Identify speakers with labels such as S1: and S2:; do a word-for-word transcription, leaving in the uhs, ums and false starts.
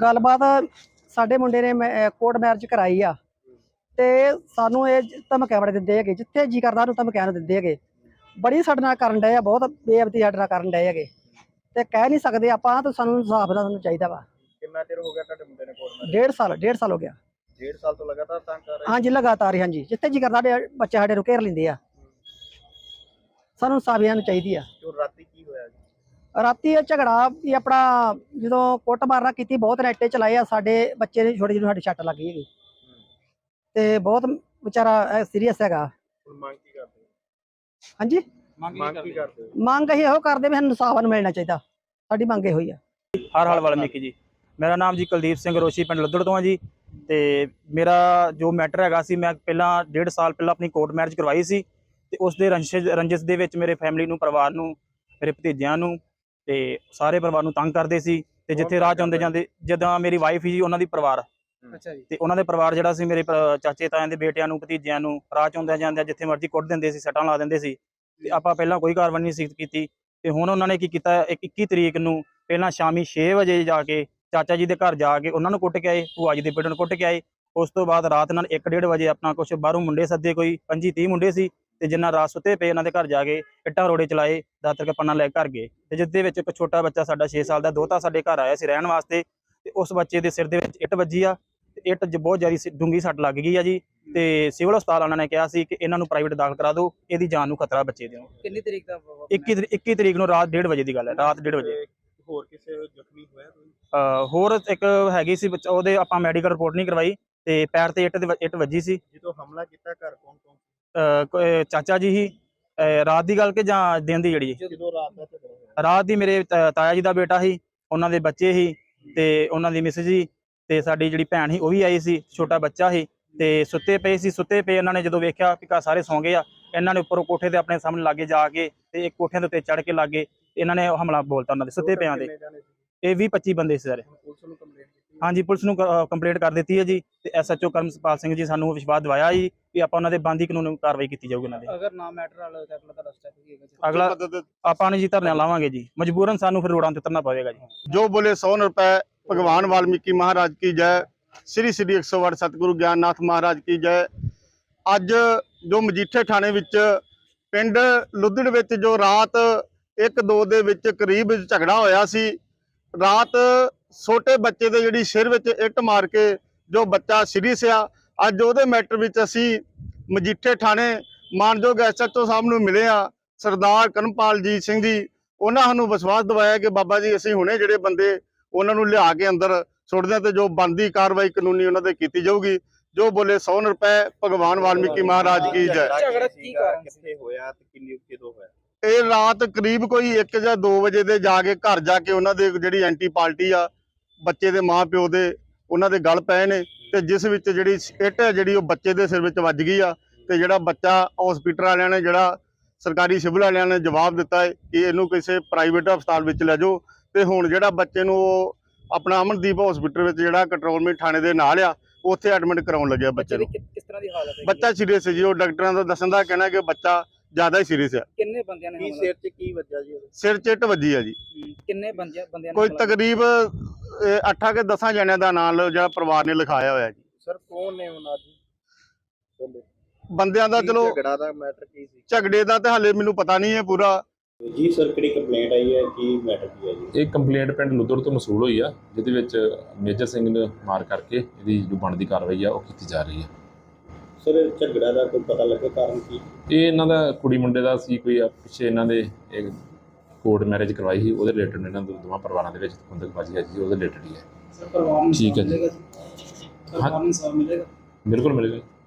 S1: ਗੱਲਬਾत ਸਾਡੇ ਮੁੰਡੇ ਨੇ ਕੋਰਟ ਮੈਰਿਜ ਕਰਾਈ ਆ ਤੇ ਸਾਨੂੰ ਇਹ ਧਮਕੀਆਂ ਬੜੇ ਦਿੰਦੇ ਹੈਗੇ, ਜਿੱਥੇ ਜੀ ਕਰਦਾ ਉਹਨੂੰ ਧਮਕੀਆਂ ਨੂੰ ਦਿੰਦੇ ਹੈਗੇ। ਬੜੀ ਸਾਡੇ ਨਾਲ ਕਰਨ ਡਏ ਆ, ਬਹੁਤ ਬੇਅਦਬੀ ਸਾਡੇ ਨਾਲ ਕਰਨ ਡਏ ਹੈਗੇ ਤੇ ਕਹਿ ਨਹੀਂ ਸਕਦੇ ਆਪਾਂ। ਤਾਂ ਸਾਨੂੰ ਇਨਸਾਫ ਦਾ ਸਾਨੂੰ ਚਾਹੀਦਾ ਵਾ।
S2: ਕਿੰਨਾ ਚਿਰ ਹੋ ਗਿਆ ਤੁਹਾਡੇ ਮੁੰਡੇ ਨੇ ਕੋਰਟ ਮੈਰਿਜ?
S1: ਡੇਢ ਸਾਲ ਡੇਢ ਸਾਲ ਹੋ ਗਿਆ।
S2: ਡੇਢ ਸਾਲ ਤੋਂ ਲਗਾਤਾਰ ਤੰਗ ਕਰ ਰਹੇ?
S1: ਹਾਂਜੀ ਲਗਾਤਾਰ ਹੀ। ਹਾਂਜੀ ਜਿੱਥੇ ਜੀ ਕਰਦਾ ਬੱਚੇ ਸਾਡੇ ਨੂੰ ਘੇਰ ਲੈਂਦੇ ਆ। ਸਾਨੂੰ ਇਨਸਾਫ ਨੂੰ ਚਾਹੀਦੀ ਆ।
S2: ਰਾਤੀ ਕੀ ਹੋਇਆ ਜੀ?
S1: ਰਾਤੀ ਇਹ ਝਗੜਾ ਵੀ ਆਪਣਾ ਜਦੋਂ ਕੁੱਟ ਮਾਰਨਾ ਕੀਤੀ, ਬਹੁਤ ਨੈਟੇ ਚਲਾਏ ਆ। ਸਾਡੇ ਬੱਚੇ ਨੇ ਛੋਟੇ ਜਿਹੇ ਸਾਡੀ ਛੱਟ ਲੱਗ ਗਈ ਹੈਗੀ ਤੇ ਬਹੁਤ ਵਿਚਾਰਾ ਸੀਰੀਅਸ ਹੈਗਾ।
S2: ਮੰਗ ਕੀ ਕਰਦੇ?
S1: ਹਾਂਜੀ
S2: ਮੰਗ ਕੀ ਕਰਦੇ?
S1: ਮੰਗ ਅਸੀਂ ਇਹੋ ਕਰਦੇ ਵੀ ਸਾਨੂੰ ਇਨਸਾਫ ਨੂੰ ਮਿਲਣਾ ਚਾਹੀਦਾ। ਸਾਡੀ ਮੰਗ ਇਹੋ ਹੀ ਆ।
S3: ਹਰ ਹਾਲ ਵਾਲਮੀਕੀ ਜੀ। ਮੇਰਾ ਨਾਮ ਜੀ ਕੁਲਦੀਪ ਸਿੰਘ ਰੋਸ਼ੀ, ਪਿੰਡ ਲੱਦੜ ਤੋਂ ਆ ਜੀ। ਤੇ ਮੇਰਾ ਜੋ ਮੈਟਰ ਹੈਗਾ ਸੀ, ਮੈਂ ਪਹਿਲਾਂ ਡੇਢ ਸਾਲ ਪਹਿਲਾਂ ਆਪਣੀ ਕੋਰਟ ਮੈਰਿਜ ਕਰਵਾਈ ਸੀ ਤੇ ਉਸ ਦੇ ਰੰਜਿਸ਼ ਰੰਜਿਸ਼ ਦੇ ਵਿੱਚ ਮੇਰੇ ਫੈਮਿਲੀ ਨੂੰ, ਪਰਿਵਾਰ ਨੂੰ, ਮੇਰੇ ਭਤੀਜਿਆਂ ਨੂੰ ਤੇ ਸਾਰੇ ਪਰਿਵਾਰ ਨੂੰ ਤੰਗ ਕਰਦੇ ਸੀ। ਤੇ ਜਿੱਥੇ ਰਾਹ ਚ ਆਉਂਦੇ ਜਾਂਦੇ, ਜਿੱਦਾਂ ਮੇਰੀ ਵਾਈਫ ਜੀ, ਉਹਨਾਂ ਦੀ ਪਰਿਵਾਰ
S1: ਅੱਛਾ ਜੀ,
S3: ਤੇ ਉਹਨਾਂ ਦੇ ਪਰਿਵਾਰ ਜਿਹੜਾ ਸੀ, ਮੇਰੇ ਚਾਚੇ ਤਾਇਆਂ ਦੇ ਬੇਟਿਆਂ ਨੂੰ, ਭਤੀਜਿਆਂ ਨੂੰ ਰਾਹ ਚ ਆਉਂਦਿਆਂ ਜਾਂਦਿਆਂ ਜਿੱਥੇ ਮਰਜ਼ੀ ਕੁੱਟ ਦਿੰਦੇ ਸੀ, ਸੱਟਾਂ ਲਾ ਦਿੰਦੇ ਸੀ। ਤੇ ਆਪਾਂ ਪਹਿਲਾਂ ਕੋਈ ਕਾਰਵਾਈ ਨਹੀਂ ਸੀ ਕੀਤੀ। ਤੇ ਹੁਣ ਉਹਨਾਂ ਨੇ ਕੀ ਕੀਤਾ, ਇੱਕ ਇੱਕੀ ਤਰੀਕ ਨੂੰ ਪਹਿਲਾਂ ਸ਼ਾਮੀ ਛੇ ਵਜੇ ਜਾ ਕੇ ਚਾਚਾ ਜੀ ਦੇ ਘਰ ਜਾ ਕੇ ਉਹਨਾਂ ਨੂੰ ਕੁੱਟ ਕੇ ਆਏ, ਭੂਆ ਜੀ ਦੇ ਬੇਟੇ ਨੂੰ ਕੁੱਟ ਕੇ ਆਏ। ਉਸ ਤੋਂ ਬਾਅਦ ਰਾਤ ਨਾਲ ਇੱਕ ਡੇਢ ਵਜੇ ਆਪਣਾ ਕੁਛ ਬਾਹਰੋਂ ਮੁੰਡੇ ਸੱਦੇ, ਕੋਈ ਪੰਜੀ ਤੀਹ ਮੁੰਡੇ ਸੀ ਤੇ ਜਿੰਨਾ ਰਾਤ ਸੁੱਤੇ ਪਏ ਇਹਨਾਂ ਦੇ ਘਰ ਜਾ ਕੇ ਇੱਟਾਂ ਰੋੜੇ ਚਲਾਏ, ਦਾਤਰ ਕੇ ਪੰਨਾ ਲੈ ਕੇ ਘਰ ਗਏ। ਤੇ ਜਿਸ ਦੇ ਵਿੱਚ ਇੱਕ ਛੋਟਾ ਬੱਚਾ ਸਾਡਾ ਛੇ ਸਾਲ ਦਾ ਦੋਤਾ ਸਾਡੇ ਘਰ ਆਇਆ ਸੀ ਰਹਿਣ ਵਾਸਤੇ ਤੇ ਉਸ ਬੱਚੇ ਦੇ ਸਿਰ ਦੇ ਵਿੱਚ ਇੱਟ ਵੱਜੀ ਆ ਤੇ ਇੱਟ ਬਹੁਤ ਜ਼ਿਆਦਾ ਡੂੰਗੀ ਸੱਟ ਲੱਗ ਗਈ ਆ ਜੀ। ਤੇ ਸਿਵਲ ਹਸਪਤਾਲ ਉਹਨਾਂ ਨੇ ਕਿਹਾ ਸੀ ਕਿ ਇਹਨਾਂ ਨੂੰ ਪ੍ਰਾਈਵੇਟ ਦਾਖਲ ਕਰਾ ਦਿਓ, ਇਹਦੀ ਜਾਨ ਨੂੰ ਖਤਰਾ ਬੱਚੇ ਦੇ।
S1: ਕਿੰਨੀ ਤਰੀਕ ਦਾ?
S3: ਇੱਕੀ ਤਰੀਕ ਨੂੰ ਰਾਤ ਡੇਢ ਵਜੇ ਦੀ ਗੱਲ ਹੈ, ਰਾਤ ਡੇਢ ਵਜੇ।
S2: ਹੋਰ ਕਿਸੇ ਜ਼ਖਮੀ ਹੋਇਆ ਕੋਈ?
S3: ਹੋਰ ਇੱਕ ਹੈਗੀ ਸੀ ਬੱਚਾ, ਉਹਦੇ ਆਪਾਂ ਮੈਡੀਕਲ ਰਿਪੋਰਟ ਨਹੀਂ ਕਰਵਾਈ ਤੇ ਪੈਰ ਤੇ ਇੱਟ ਇੱਟ ਵੱਜੀ ਸੀ।
S2: ਜਦੋਂ ਹਮਲਾ ਕੀਤਾ ਘਰ ਕੌਣ ਕੌਣ?
S3: ਚਾਚਾ ਜੀ ਹੀ। ਰਾਤ ਦੀ ਗੱਲ ਕਿ ਜਾਂ ਦਿਨ ਦੀ? ਜਿਹੜੀ
S2: ਜਦੋਂ ਰਾਤ ਦਾ ਝਗੜਾ ਹੋਇਆ?
S3: ਰਾਤ ਦੀ ਮੇਰੇ ਤਾਇਆ ਜੀ ਦਾ ਬੇਟਾ ਸੀ, ਉਹਨਾਂ ਦੇ ਬੱਚੇ ਸੀ ਤੇ ਉਹਨਾਂ ਦੀ ਮਿਸਿਸ ਜੀ ਤੇ ਸਾਡੀ ਜਿਹੜੀ ਭੈਣ ਸੀ ਉਹ ਵੀ ਆਈ ਸੀ, ਛੋਟਾ ਬੱਚਾ ਸੀ ਤੇ ਸੁੱਤੇ ਪਏ ਸੀ। ਸੁੱਤੇ ਪਏ ਇਹਨਾਂ ਨੇ ਜਦੋਂ ਵੇਖਿਆ ਕਿ ਘਰ ਸਾਰੇ ਸੌਂ ਗਏ ਆ, ਇਹਨਾਂ ਨੇ ਉੱਪਰੋਂ ਕੋਠੇ ਤੇ ਆਪਣੇ ਸਾਹਮਣੇ ਲਾਗੇ ਜਾ ਕੇ ਤੇ ਇੱਕ ਕੋਠਿਆਂ ਦੇ ਉੱਤੇ ਚੜ੍ਹ ਕੇ ਲਾਗੇ ਇਹਨਾਂ ਨੇ ਹਮਲਾ ਬੋਲਤਾ ਉਹਨਾਂ ਦੇ ਸੁੱਤੇ ਪਿਆਂ ਦੇ। ਇਹ ਵੀਹ ਪੱਚੀ ਬੰਦੇ ਸੀ ਸਾਰੇ।
S2: ਪੁਲਿਸ ਨੂੰ ਕੰਪਲੇਂਟ ਕੀਤੀ?
S3: ਹਾਂਜੀ ਪੁਲਿਸ ਨੂੰ ਕੰਪਲੇਂਟ ਕਰ ਦਿੱਤੀ ਹੈ ਜੀ ਤੇ S H O Karampal Singh ji ਸਾਨੂੰ ਵਿਸ਼ਵਾਸ ਦਿਵਾਇਆ ਜੀ ਕਿ ਆਪਾਂ ਉਹਨਾਂ ਦੇ ਬਣਦੀ ਕਾਨੂੰਨ ਕਾਰਵਾਈ ਕੀਤੀ ਜਾਊਗੀ ਉਹਨਾਂ ਦੇ।
S1: ਅਗਰ ਨਾ ਮੈਟਰ ਵਾਲਾ ਤਾਂ ਅਗਲਾ ਤੁਹਾਡਾ ਸਟੈਪ ਕੀ ਹੈਗਾ?
S3: ਅਗਲਾ ਆਪਾਂ ਨੇ ਜੀ ਧਰਨਾ ਲਾਵਾਂਗੇ ਜੀ, ਮਜਬੂਰਨ ਸਾਨੂੰ ਫਿਰ ਰੋਡਾਂ ਤੇ ਉਤਰਨਾ ਪਵੇਗਾ ਜੀ।
S4: ਜੋ ਬੋਲੇ सौ रुपए। भगवान वाल्मीकि महाराज की जय। श्री श्री एक सौ आठ सतगुरु ज्ञाननाथ महाराज की जय। ਅੱਜ ਜੋ ਮਜੀਠੇ ਥਾਣੇ ਵਿੱਚ ਪਿੰਡ ਲੁੱਦੜ ਵਿੱਚ ਜੋ ਰਾਤ ਇੱਕ ਦੋ ਦੇ ਵਿੱਚ ਕਰੀਬ ਝਗੜਾ ਹੋਇਆ ਸੀ। ਰਾਤ ਛੋਟੇ ਬੱਚੇ ਦੇ ਜਿਹੜੀ ਸਿਰ ਵਿੱਚ ਇੱਟ ਮਾਰ ਕੇ ਜੋ ਬੱਚਾ ਸੀਰੀਅਸ ਆ, ਅੱਜ ਉਹਦੇ ਮੈਟਰ ਵਿੱਚ ਅਸੀਂ ਮਜੀਠੇ ਥਾਣੇ ਮਾਨਯੋਗ ਐਸ ਐਚ ਓ ਸਾਹਿਬ ਨੂੰ ਮਿਲੇ ਆ, ਸਰਦਾਰ ਕਰਮਪਾਲ ਜੀ ਸਿੰਘ ਜੀ। ਉਹਨਾਂ ਸਾਨੂੰ ਵਿਸ਼ਵਾਸ ਦਿਵਾਇਆ ਕਿ ਬਾਬਾ ਜੀ ਅਸੀਂ ਹੁਣੇ ਜਿਹੜੇ ਬੰਦੇ ਉਹਨਾਂ ਨੂੰ ਲਿਆ ਕੇ ਅੰਦਰ ਸੁੱਟਦੇ ਤੇ ਜੋ ਬਣਦੀ ਕਾਰਵਾਈ ਕਾਨੂੰਨੀ ਉਹਨਾਂ ਤੇ ਕੀਤੀ ਜਾਊਗੀ। ਜੋ ਬੋਲੇ सौ रुपए। ਭਗਵਾਨ ਵਾਲਮੀਕੀ ਮਹਾਰਾਜ ਕੀ ਜੈ।
S2: ਝਗੜਾ ਕੀ ਕਾਰਨ ਕਿੱਥੇ ਹੋਇਆ ਤੇ ਕਿੰਨੀ ਕਿਦੋਂ ਹੋਇਆ?
S4: ਇਹ ਰਾਤ ਕਰੀਬ ਕੋਈ ਇੱਕ ਜਾਂ ਦੋ ਵਜੇ ਦੇ ਜਾ ਕੇ ਘਰ ਜਾ ਕੇ ਉਹਨਾਂ ਦੇ ਜਿਹੜੀ ਐਂਟੀ ਪਾਰਟੀ ਆ, ਬੱਚੇ ਦੇ ਮਾਂ ਪਿਓ ਦੇ, ਉਹਨਾਂ ਦੇ ਗਲ ਪਏ ਨੇ ਤੇ ਜਿਸ ਵਿੱਚ ਜਿਹੜੀ ਇੱਟ ਹੈ ਜਿਹੜੀ ਉਹ ਬੱਚੇ ਦੇ ਸਿਰ ਵਿੱਚ ਵੱਜ ਗਈ ਆ। ਤੇ ਜਿਹੜਾ ਬੱਚਾ ਹਸਪੀਟਲ ਵਾਲਿਆਂ ਨੇ, ਜਿਹੜਾ ਸਰਕਾਰੀ ਸਿਵਲ ਵਾਲਿਆਂ ਨੇ ਜਵਾਬ ਦਿੱਤਾ ਹੈ ਕਿ ਇਹਨੂੰ ਕਿਸੇ ਪ੍ਰਾਈਵੇਟ ਹਸਪਤਾਲ ਵਿੱਚ ਲੈ ਜਾਓ। ਤੇ ਹੁਣ ਜਿਹੜਾ ਬੱਚੇ ਨੂੰ ਉਹ ਆਪਣਾ ਅਮਨਦੀਪ ਹਸਪੀਟਲ ਵਿੱਚ ਜਿਹੜਾ ਕੰਟਰੋਲਮੈਂਟ ਥਾਣੇ ਦੇ ਨਾਲ ਆ, ਉੱਥੇ ਐਡਮਿਟ ਕਰਾਉਣ ਲੱਗਿਆ ਬੱਚੇ ਨੂੰ।
S1: ਕਿਸ ਤਰ੍ਹਾਂ ਦੀ ਹਾਲਤ ਹੈ?
S4: ਬੱਚਾ ਸੀਰੀਅਸ ਹੈ ਜੀ। ਉਹ ਡਾਕਟਰਾਂ ਦਾ ਦੱਸਣ ਦਾ ਕਹਿਣਾ ਕਿ ਬੱਚਾ ਜ਼ਿਆਦਾ ਹੀ ਸੀਰੀਅਸ ਹੈ।
S1: ਕਿੰਨੇ ਬੰਦਿਆਂ ਨੇ?
S2: ਕੀ ਸਿਰ 'ਚ ਕੀ ਵੱਜਿਆ ਜੀ?
S4: ਸਿਰ 'ਚ ਇੱਟ ਵੱਜੀ ਆ ਜੀ।
S1: ਕਿੰਨੇ ਬੰਦਿਆਂ ਬੰਦਿਆਂ
S4: ਕੋਈ ਤਕਰੀਬ ਅੱਠਾਂ ਕੇ ਦਸਾਂ ਜਣਿਆਂ ਦਾ ਨਾਮ ਜਿਹੜਾ ਪਰਿਵਾਰ ਨੇ ਲਿਖਾਇਆ ਹੋਇਆ ਜੀ।
S2: ਸਰ ਕੌਣ ਨੇ ਉਹਨਾਂ ਦੀ
S4: ਬੰਦਿਆਂ ਦਾ? ਚਲੋ
S2: ਝਗੜਾ ਦਾ ਮੈਟਰ ਕੀ ਸੀ?
S4: ਝਗੜੇ ਦਾ ਤੇ ਹਾਲੇ ਮੈਨੂੰ ਪਤਾ ਨਹੀਂ ਹੈ ਪੂਰਾ
S2: ਜੀ। ਸਰ ਕਿਹੜੀ ਕੰਪਲੇਂਟ ਆਈ ਹੈ, ਕੀ ਮੈਟਰ ਕੀ ਹੈ ਜੀ?
S5: ਇਹ ਕੰਪਲੇਂਟ ਪਿੰਡ ਲੁੱਦੜ ਤੋਂ ਮਸੂਲ ਹੋਈ ਆ, ਜਿਹਦੇ ਵਿੱਚ ਮੇਜਰ ਸਿੰਘ ਨੇ ਮਾਰ ਕਰਕੇ ਇਹਦੀ ਜੋ ਬਣਦੀ ਕਾਰਵਾਈ ਆ ਉਹ ਕੀਤੀ ਜਾ ਰਹੀ ਹੈ।
S2: ਸਰ ਝਗੜਾ ਦਾ ਕੋਈ ਪਤਾ ਲੱਗਾ ਕਾਰਨ ਕੀ?
S5: ਇਹ ਇਹਨਾਂ ਦਾ ਕੁੜੀ ਮੁੰਡੇ ਦਾ ਸੀ, ਕੋਈ ਪਿੱਛੇ ਇਹਨਾਂ ਦੇ ਇੱਕ ਕੋਰਟ ਮੈਰਿਜ ਕਰਵਾਈ ਸੀ, ਉਹਦੇ ਰਿਲੇਟਡ ਇਹਨਾਂ ਦੇ ਦੋਵਾਂ ਪਰਿਵਾਰਾਂ ਦੇ ਵਿੱਚ ਖੁੰਦਕਬਾਜ਼ੀ ਹੈ ਜੀ, ਉਹਦੇ ਰਿਲੇਟਡ ਹੀ ਹੈ।
S1: ਪਰਿਵਾਰ ਨੂੰ
S5: ਠੀਕ ਹੈ ਜੀ।
S1: ਪਰਿਵਾਰ ਨੂੰ ਇਨਸਾਫ ਮਿਲੇਗਾ?
S5: ਬਿਲਕੁਲ ਮਿਲੇਗਾ।